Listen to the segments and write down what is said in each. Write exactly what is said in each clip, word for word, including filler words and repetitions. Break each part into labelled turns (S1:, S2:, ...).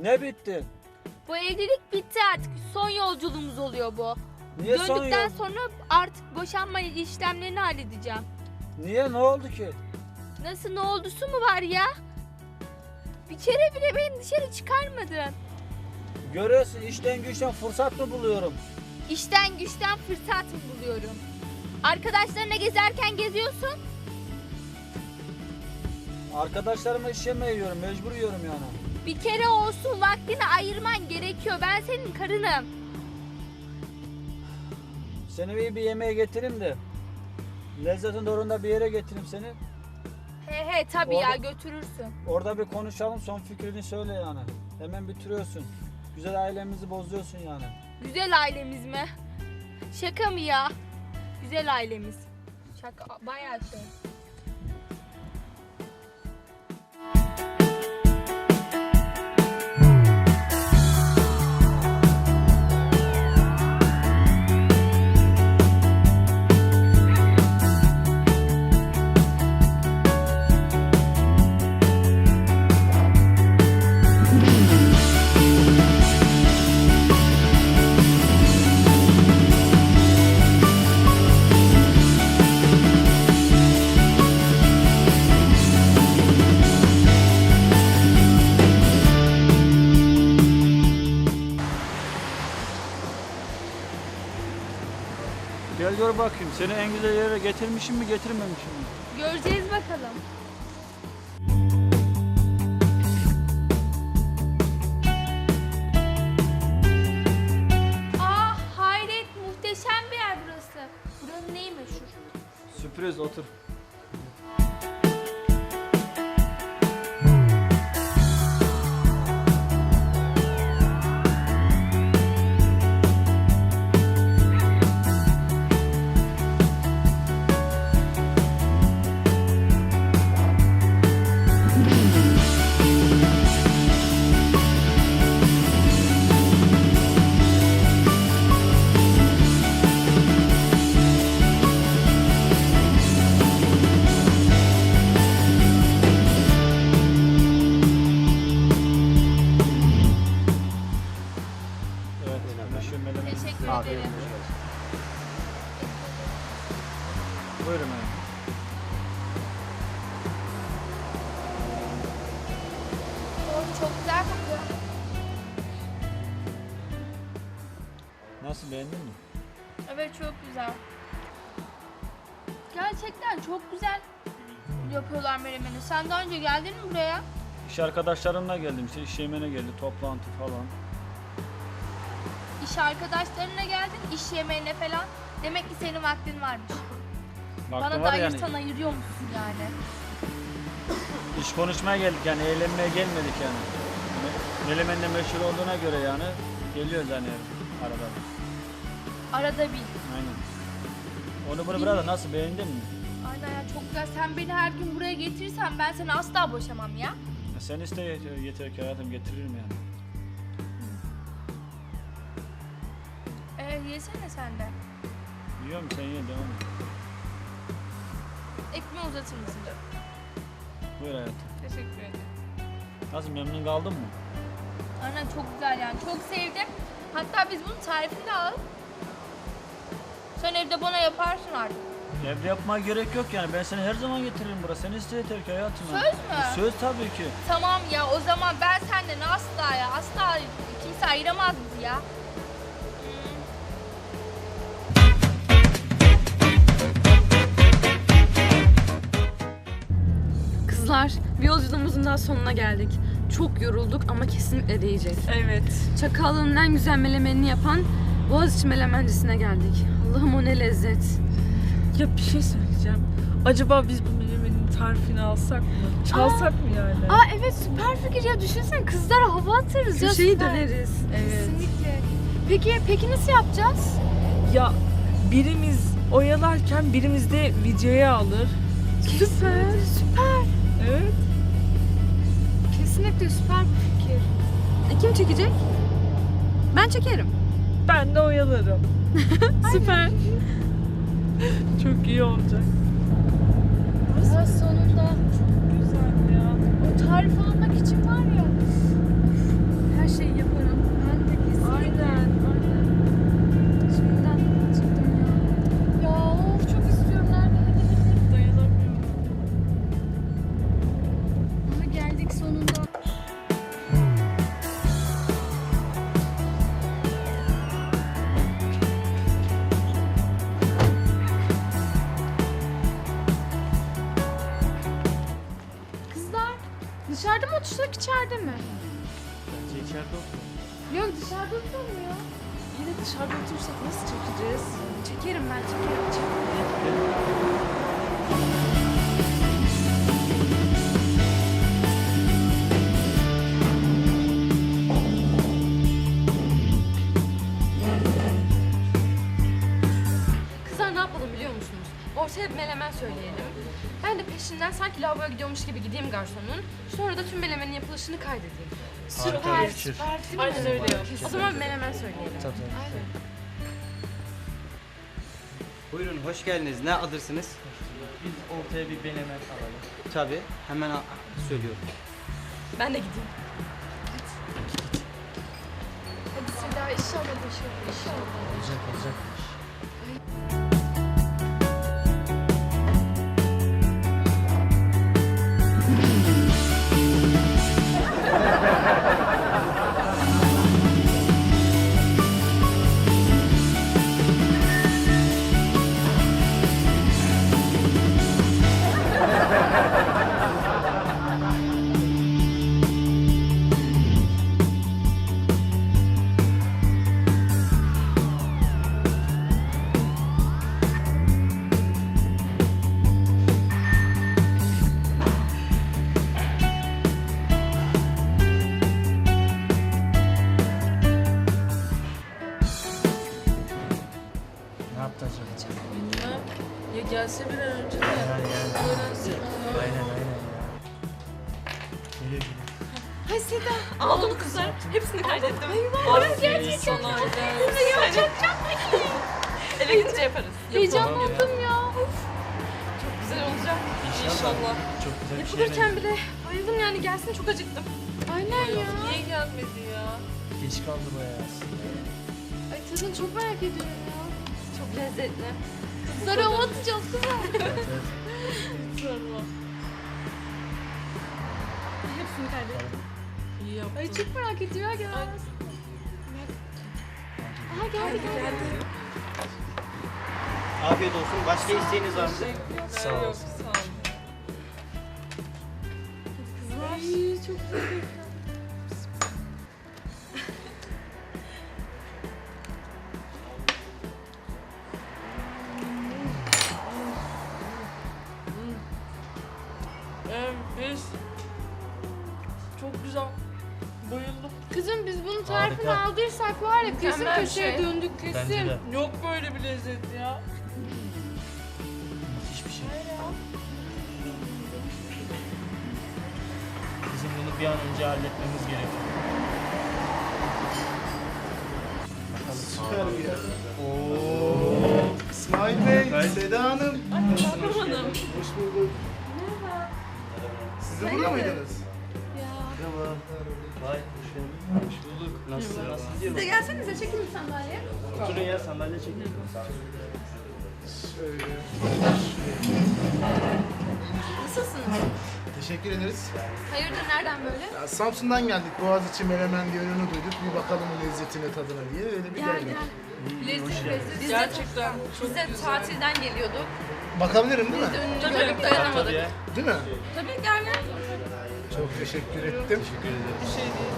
S1: Ne bitti?
S2: Bu evlilik bitti artık. Son yolculuğumuz oluyor bu.
S1: Niye son
S2: Döndükten
S1: yol?
S2: sonra artık boşanma işlemlerini halledeceğim.
S1: Niye? Ne oldu ki?
S2: Nasıl, ne oldusu mu var ya? Bir kere bile beni dışarı çıkarmadın.
S1: Görüyorsun, işten güçten fırsat mı buluyorum?
S2: İşten güçten fırsat mı buluyorum? Arkadaşlarına gezerken geziyorsun.
S1: Arkadaşlarıma iş yemeği yiyorum, mecbur yiyorum yani.
S2: Bir kere olsun vaktini ayırman gerekiyor. Ben senin karınım.
S1: Seni iyi bir yemeğe getireyim de lezzetin doğrunda bir yere getireyim seni.
S2: He he tabii
S1: Orada-
S2: ya, götürürsün.
S1: Orada bir konuşalım, son fikrini söyle yani. Hemen bitiriyorsun. Güzel ailemizi bozuyorsun yani.
S2: Güzel ailemiz mi? Şaka mı ya? Güzel ailemiz. Şaka bayağı şey.
S1: Gel gör bakayım, seni en güzel yere getirmişim mi getirmemişim mi?
S2: Göreceğiz bakalım. Aa hayret, muhteşem bir yer burası. Buranın neyi meşhur?
S1: Sürpriz, otur. Evet, düşünmeden.
S2: Teşekkür
S1: Afiyet
S2: ederim.
S1: olsun. Buyurun efendim.
S2: Oh, çok güzel kokuyor.
S1: Nasıl, beğendin mi?
S2: Evet, çok güzel. Gerçekten çok güzel yapıyorlar menemeni. Sen daha önce geldin mi buraya?
S1: İş arkadaşlarımla geldim işte, iş yemeğine geldi, toplantı falan.
S2: İş arkadaşlarına geldin, iş yemeğine falan. Demek ki senin vaktin varmış.
S1: Vaktim
S2: Bana da
S1: var
S2: ayırsan
S1: yani.
S2: ayırıyor musun yani?
S1: İş konuşmaya geldik yani, eğlenmeye gelmedik yani. Melemen'le meşhur olduğuna göre yani geliyoruz yani arada.
S2: Arada bir.
S1: Aynen. Onu bunu burada nasıl, beğendin mi?
S2: Aynen ya, çok güzel. Sen beni her gün buraya getirirsen ben seni asla boşamam ya.
S1: Ya sen iste yeter, yeter ki hayatım, getiririm yani.
S2: Ee, yesene sen de.
S1: Yiyorum, sen ye, devam et.
S2: Ekmeği uzatır mısın canım?
S1: Buyur hayatım.
S2: Teşekkür ederim.
S1: Nasıl, memnun kaldın mı?
S2: Aynen, çok güzel yani. Çok sevdim. Hatta biz bunun tarifini de alalım. Sen evde bana yaparsın artık.
S1: Evde yapmaya gerek yok yani, ben seni her zaman getiririm buraya. Sen iste yeter ki hayatım.
S2: Söz mü?
S1: Söz tabii ki.
S2: Tamam ya, o zaman ben senden asla ya asla kimse ayıramaz bizi ya. Hmm.
S3: Kızlar, bir yolculuğumuzun daha sonuna geldik. Çok yorulduk ama kesinlikle değecek.
S4: Evet.
S3: Çakallı'nın en güzel melemenini yapan Boğaziçi Melemencisine geldik. Allah'ım, o ne lezzet.
S4: Ya bir şey söyleyeceğim. Acaba biz bu menemenin tarifini alsak mı? Çalsak mı yani?
S2: Aa evet, süper fikir ya, düşünsene, kızlara hava atarız ya.
S3: Köşeyi
S2: süper.
S3: döneriz.
S4: Evet.
S2: Kesinlikle. Peki, peki nasıl yapacağız?
S4: Ya birimiz oyalarken birimiz de videoya alır.
S3: Süper.
S2: Süper.
S4: Evet.
S2: Kesinlikle süper bir fikir.
S3: E, kim çekecek? Ben çekerim.
S4: Ben de oyalarım.
S3: Süper.
S4: Çok iyi olacak.
S2: Aa, sonunda
S4: Güzel ya.
S2: o tarifi almak için var ya. Her
S3: her şeyi yaparım.
S2: Ben de kesin.
S4: Aynen. Aynen.
S2: Şimdiden çıktım ya. Ya of çok istiyorum. Nerede? Hadi hadi.
S4: Dayanamıyorum.
S2: Ama geldik sonunda. Kızlar dışarıda mı otursak içeride mi?
S1: Bence içeride otur.
S2: Yok dışarıda oturalım ya.
S4: Yine dışarıda otursak nasıl çekeceğiz?
S3: Çekerim ben çekerim. çekerim. Kızlar ne yapalım biliyor musunuz? Ortaya bir menemen söyleyelim. Ben de peşinden sanki lavaboya gidiyormuş gibi gideyim garsonun. Sonra da tüm menemenin yapılışını kaydedeyim.
S1: Harika bir fikir.
S4: Aynen öyle yap.
S3: O zaman menemen söyleyelim.
S1: Tabii.
S5: Buyurun, hoş geldiniz. Ne alırsınız?
S1: Biz ortaya bir menemen alalım.
S5: Tabii, hemen a- söylüyorum.
S3: Ben de gideyim.
S2: Hadi Seda inşallah başarılı inşallah.
S1: Olacak olacak. Ne yaptı acaba?
S4: Bilmem. Ya gelse bir an önce de
S1: Yani yani.
S4: öğrensin.
S1: Aynen aynen ya. Geliyor geliyor.
S3: Hay Seda. Al onu kızlar. Hepsini kaydettim.
S4: Aferin sana.
S3: Eve gidince yaparız.
S2: Heyecanlandım ya.
S3: Çok güzel olacak.
S4: İnşallah.
S1: Çok güzel bir şey.
S3: Yapılırken bile bayıldım yani gelsin çok acıktım.
S2: Aynen ya.
S4: Niye gelmedi ya?
S1: Geç kaldı bayağı aslında.
S2: Ay tadını çok merak ediyorum ya.
S3: Çok lezzetli.
S2: Kızlara hava atacağız kızlar.
S1: Evet, evet.
S4: Sorma.
S3: Hepsini kaydettim.
S4: İyi yaptın.
S2: Ay çok merak ediyorum ya. Gel. Aha geldi geldi.
S5: Afiyet olsun. Başka isteğiniz var mı?
S1: Sağ ol.
S4: Yok, sağ ol.
S2: Ay çok güzel.
S4: Evet. Çok güzel. Bayıldım.
S2: Kızım biz bunun tarifini
S1: Harika.
S2: aldıysak var ya kesin
S3: Mükemmel bir
S2: köşeye
S3: şey.
S2: döndük kesin.
S1: Bence de.
S4: Yok böyle bir lezzet ya.
S1: Müthiş bir şey. Bizim bunu bir an önce halletmemiz gerekiyor.
S6: Süper ya. Oo. İsmail Bey, Seda Hanım.
S4: Yapamadım.
S6: Hoş bulduk. Merhaba. Siz de burada mıydınız?
S1: Merhaba. Vay hoş geldin. Hoş bulduk. Nasılsın? Nasıl gidiyor?
S3: Siz de gelsenize çekin bir sandalye.
S1: Oturun ya sandalye çekin.
S6: Şöyle.
S3: Nasılsınız?
S6: Teşekkür ederiz.
S3: Hayırdır nereden böyle?
S6: Ya, Samsun'dan geldik. Boğaziçi Menemen diye ürünü duyduk. Bir bakalım lezzetine, tadına diye. Öyle bir
S3: Gel
S6: geldik.
S3: gel.
S1: İyi, hoş geldin.
S3: Biz
S4: Gerçekten
S3: de,
S4: çok
S3: biz de
S4: güzel.
S3: tatilden geliyorduk.
S6: Bakabilirim değil mi?
S3: Önünü
S4: Tabii.
S3: görüp dayanamadık.
S1: Tabii ya.
S6: Değil mi?
S3: Tabii gel gel.
S6: Çok teşekkür ettim.
S1: Teşekkür ederim.
S4: Bir şey değil.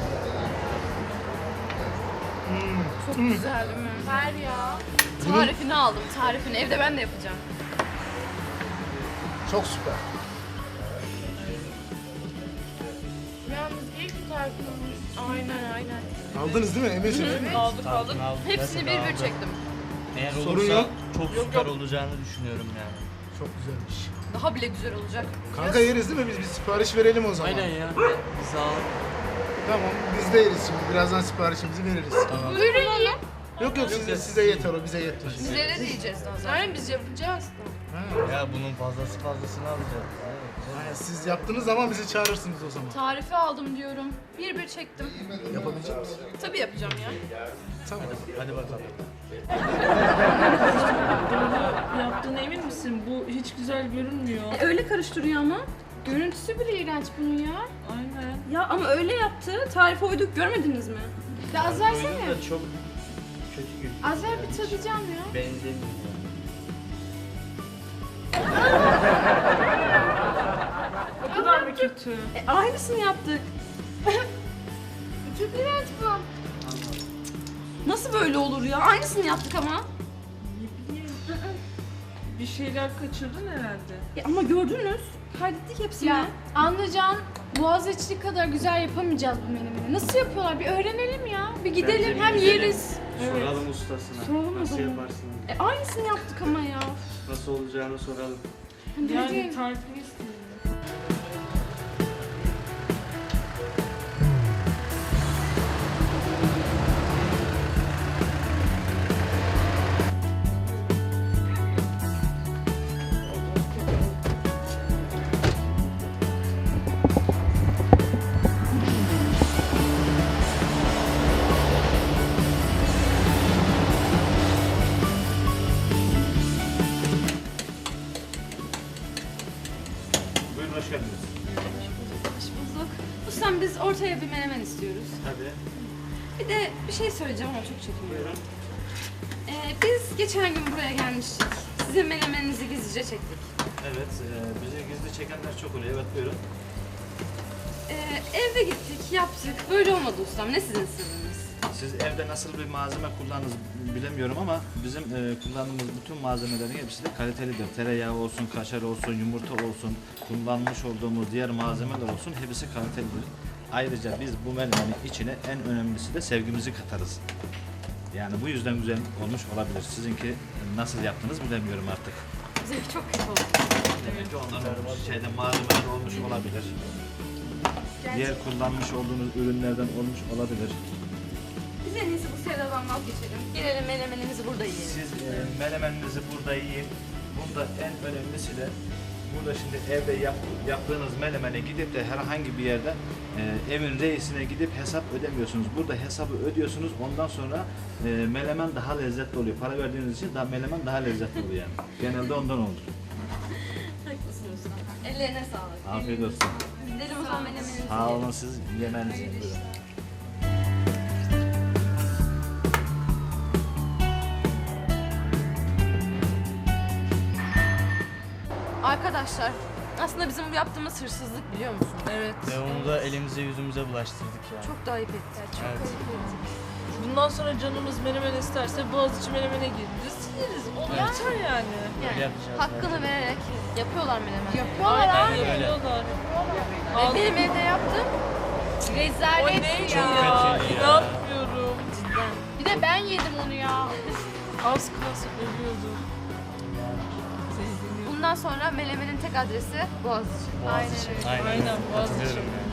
S3: Çok güzel değil mi? Ver ya. Tarifini aldım tarifini. Evde ben de yapacağım.
S6: Çok süper.
S2: Yalnız iyi ki tarifini almış.
S3: Aynen aynen.
S6: Aldınız değil mi? Eminsiniz.
S4: Aldık aldık.
S1: Aldım, aldım.
S3: Hepsini bir bir çektim.
S1: Eğer
S6: Sorun
S1: olursa
S6: yok.
S1: çok
S4: Yok,
S1: süper
S4: yok.
S1: olacağını düşünüyorum yani.
S6: Çok güzelmiş.
S3: Daha bile güzel olacak.
S6: Kanka yeriz değil mi? Biz bir sipariş verelim o zaman.
S1: Aynen ya. Sağ ol.
S6: Tamam. Biz de yeriz şimdi. Birazdan siparişimizi veririz.
S1: Tamam.
S2: Buyurun yiyin.
S6: Yok yok size, size yeter o bize yeter.
S3: Bizlere de yiyeceğiz daha zaten.
S2: Aynen biz yapacağız.
S6: Ha.
S7: Ya bunun fazlası fazlasını alacağız.
S6: Ha, siz yaptığınız zaman bizi çağırırsınız o zaman.
S3: Tarifi aldım diyorum. Bir bir çektim.
S6: Yapabilecek misin?
S3: Tabii yapacağım ya.
S6: Tamam.
S7: Hadi bakalım.
S4: Bunu yaptığına emin misin? Bu hiç güzel görünmüyor.
S3: E, öyle karıştırıyor ama. Görüntüsü bile iğrenç bunun ya.
S4: Aynen.
S3: Ya ama öyle yaptı. Tarife uyduk görmediniz mi?
S2: Ya az versene.
S5: da çok kötü gibi.
S2: Az ver bir tadacağım ya.
S5: Benzemiyor.
S4: O kadar mı kötü?
S3: E, aynısını yaptık.
S2: Çok iğrenç bu.
S3: Nasıl böyle olur ya? Aynısını yaptık ama.
S4: Ne bileyim. Bir şeyler kaçırdın herhalde.
S3: E, ama gördünüz. Kaydettik hepsini.
S2: Ya anlayacağın Boğaziçi kadar güzel yapamayacağız bu menemeni. Nasıl yapıyorlar? Bir öğrenelim ya. Bir gidelim
S5: Bence
S2: hem
S5: bir gidelim.
S2: yeriz.
S5: Soralım ustasına.
S3: Soralım o
S5: Nasıl
S3: zaman.
S5: yaparsınız?
S3: E, aynısını yaptık ama ya.
S5: Nasıl olacağını soralım.
S4: Yani tarifini istiyorum.
S5: Buyurun hoş geldiniz.
S3: Hoş bulduk. Ustam biz ortaya bir menemen istiyoruz.
S5: Tabii.
S3: Bir de bir şey söyleyeceğim ama çok çekiniyorum. Ee, biz geçen gün buraya gelmiştik. Sizin menemeninizi gizlice çektik.
S8: Evet, e, bizi gizli çekenler çok oluyor. Evet, buyurun.
S3: Ee, evde gittik, yaptık. Böyle olmadı ustam. Ne sizin sırrınız?
S8: Siz evde nasıl bir malzeme kullandınız bilemiyorum ama bizim e, kullandığımız bütün malzemelerin hepsi de kalitelidir. Tereyağı olsun, kaşar olsun, yumurta olsun, kullanmış olduğumuz diğer malzemeler olsun hepsi kalitelidir. Ayrıca biz bu menemenin içine en önemlisi de sevgimizi katarız. Yani bu yüzden güzel olmuş olabilir. Sizinki nasıl yaptınız bilemiyorum artık.
S3: Bizimki çok kötü oldu.
S8: Demek ki ondan olmuş, şeyde malzemeler olmuş olabilir. Diğer kullanmış olduğunuz ürünlerden olmuş olabilir.
S3: Biz en iyisi bu sevdadan vazgeçelim. Gelelim menemenimizi burada yiyelim.
S8: Siz e, menemeninizi burada yiyin. Bunda en önemlisi de burada şimdi evde yap, yaptığınız menemene gidip de herhangi bir yerde e, evin reisine gidip hesap ödemiyorsunuz. Burada hesabı ödüyorsunuz. Ondan sonra e, menemen daha lezzetli oluyor. Para verdiğiniz için daha menemen daha lezzetli oluyor yani. Genelde ondan olur.
S3: Haklısın ustam. Ellerine sağlık.
S8: Afiyet olsun.
S3: Gidelim o zaman menemenimizi
S8: Sağ
S3: yiyelim.
S8: olun, siz yemeğinizi yiyin. Buyurun.
S3: Arkadaşlar, aslında bizim bu yaptığımız hırsızlık biliyor musun?
S4: Evet.
S7: Ve onu da elimize yüzümüze bulaştırdık yani.
S3: Çok da ayıp ettik.
S7: Evet.
S4: Bundan sonra canımız menemen isterse Boğaziçi menemene gireriz, sileriz. O yeter yani.
S3: Yani
S7: yapacağız,
S3: hakkını vererek yapıyorlar menemen.
S2: Yapıyorlar
S4: Aynen
S2: abi.
S4: yapıyorlar.
S3: Ve benim evde yaptım.
S4: O
S2: Rezalet
S4: neydi
S2: ya.
S4: ya?
S7: kötü ya.
S4: İnanmıyorum.
S3: Cidden.
S2: Bir de ben yedim onu ya.
S4: Az kalsın ölüyordum.
S3: Bundan sonra menemenin tek adresi Boğaziçi.
S2: Aynen öyle.
S7: Aynen.
S4: Aynen, Boğaziçi.
S7: Katılıyorum yani.